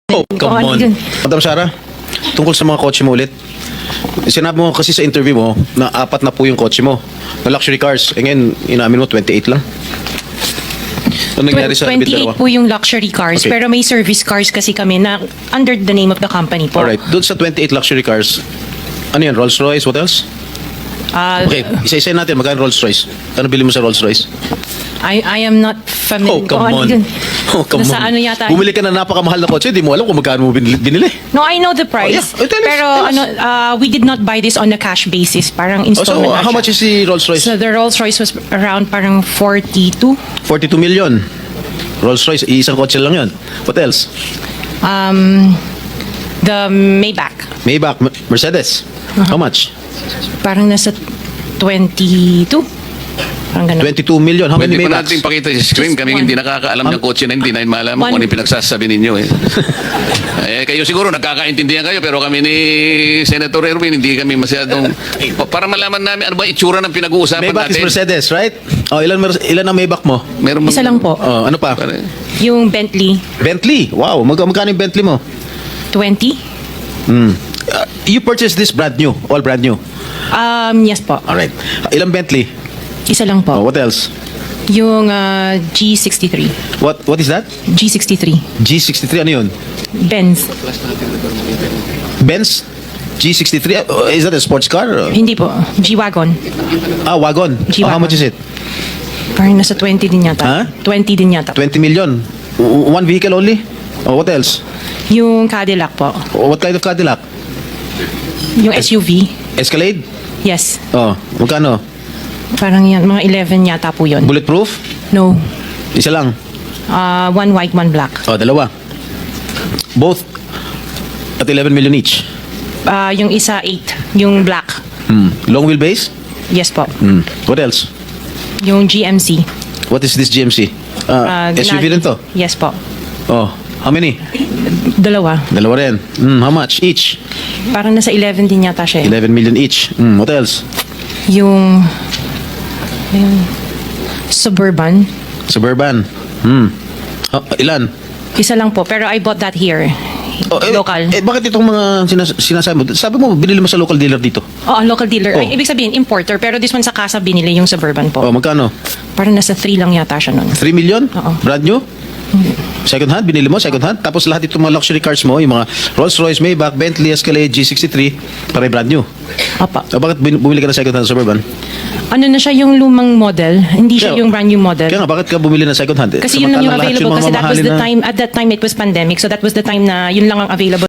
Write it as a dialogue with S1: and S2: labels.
S1: Oh, come on. Madam Sara, tungkol sa mga kotse mo ulit. Sinabi mo kasi sa interview mo na 4 na po yung kotse mo na luxury cars. E ngayon, inamin mo 28 lang. Ano nangyari sa
S2: 28 po yung luxury cars,
S1: Okay.
S2: pero may service cars kasi kami na under the name of the company po.
S1: Alright, doon sa 28 luxury cars, ano yan, Rolls Royce, what else? Okay, isa-isa natin, magkano Rolls Royce? Ano bili mo sa Rolls Royce?
S2: I am not familiar.
S1: Oh, come on. Oh, come
S2: Nasa
S1: on.
S2: ano yata.
S1: Bumili ka na napakamahal na kotse, di mo alam kung magkano mo binili.
S2: No, I know the price.
S1: Oh, yeah. Tell us,
S2: Pero
S1: tell us.
S2: we did not buy this on a cash basis. Parang
S1: Oh, so,
S2: installment na
S1: how
S2: siya.
S1: much is the Rolls Royce?
S2: So the Rolls Royce was around parang 42.
S1: 42 million. Rolls Royce, isang kotse lang yun. What else?
S2: The Maybach.
S1: Maybach, Mercedes. How much?
S2: Parang nasa 22. Parang ganun.
S1: 22 million. How many
S3: Pwede pa
S1: Maybachs?
S3: natin pakita sa screen.
S2: Just
S3: Kami
S2: one.
S3: hindi nakakaalam ng kotse na hindi na malaman
S2: One.
S3: kung ano yung pinagsasabi ninyo. Kayo siguro nagkakaintindihan kayo pero kami ni Senator Erwin hindi kami masyadong... para malaman namin ano ba itsura ng pinag-uusapan
S1: Maybach is
S3: natin.
S1: Mercedes, right? Oh, ilan ang Maybach mo?
S3: Meron
S2: Isa lang po.
S1: Oh, ano pa?
S2: Yung Bentley,
S1: Bentley. Wow, magkano yung Bentley mo?
S2: 20.
S1: You purchased this brand new, all brand new.
S2: Yes po.
S1: All right. Ilang Bentley?
S2: Isa lang
S1: Oh,
S2: po.
S1: what else?
S2: Yung G63.
S1: What is that?
S2: G63.
S1: G63 ano yun?
S2: Benz.
S1: Benz G63. Is that a sports car?
S2: Hindi po. G-Wagon.
S1: Wagon. Oh,
S2: G-Wagon.
S1: how much is it?
S2: Parang nasa 20 din yata.
S1: Ha?
S2: 20 din yata.
S1: 20 million. One vehicle only? Oh, what else?
S2: Yung Cadillac po.
S1: What kind of Cadillac?
S2: Yung SUV.
S1: Escalade?
S2: Yes.
S1: Oh, magkano?
S2: Parang yan. Mga 11 yata po yun.
S1: Bulletproof?
S2: No.
S1: Isa lang.
S2: One white, one black.
S1: Oh, dalawa. Both at 11 million each.
S2: Yung isa 8. Yung black.
S1: Long wheelbase?
S2: Yes po.
S1: What else?
S2: Yung GMC.
S1: What is this GMC? SUV rin to?
S2: Yes po.
S1: Oh, how many?
S2: Dalawa.
S1: Dalawa rin. How much each?
S2: Parang nasa 11 din yata siya.
S1: 11 million each. What else?
S2: Yung Suburban.
S1: Suburban. Ilan?
S2: Isa lang po. Pero I bought that here. Local.
S1: Bakit itong mga sinasabi mo? Sabi mo, binili mo sa local dealer dito.
S2: Local dealer.
S1: Oh.
S2: Ay, ibig sabihin, importer. Pero this one sa casa binili yung Suburban po.
S1: Oh, magkano?
S2: Parang nasa 3 lang yata siya nun.
S1: 3 million?
S2: Oo.
S1: Brand new? Second hand? Binili mo? Second hand? Tapos lahat itong mga luxury cars mo, yung mga Rolls Royce, Maybach, Bentley, Escalade, G63, pare brand new.
S2: Opa.
S1: Bakit bumili ka ng second hand Suburban?
S2: Ano na siya yung lumang model. Hindi siya
S1: Kaya-
S2: yung brand new model.
S1: Kaya nga, bakit ka bumili ng second hand?
S2: Kasi yun lang yung
S1: Samantalang lahat
S2: available.
S1: mga
S2: Kasi that was
S1: mamahalin
S2: the
S1: na-
S2: time, at that time it was pandemic. So that was the time na yun lang ang available.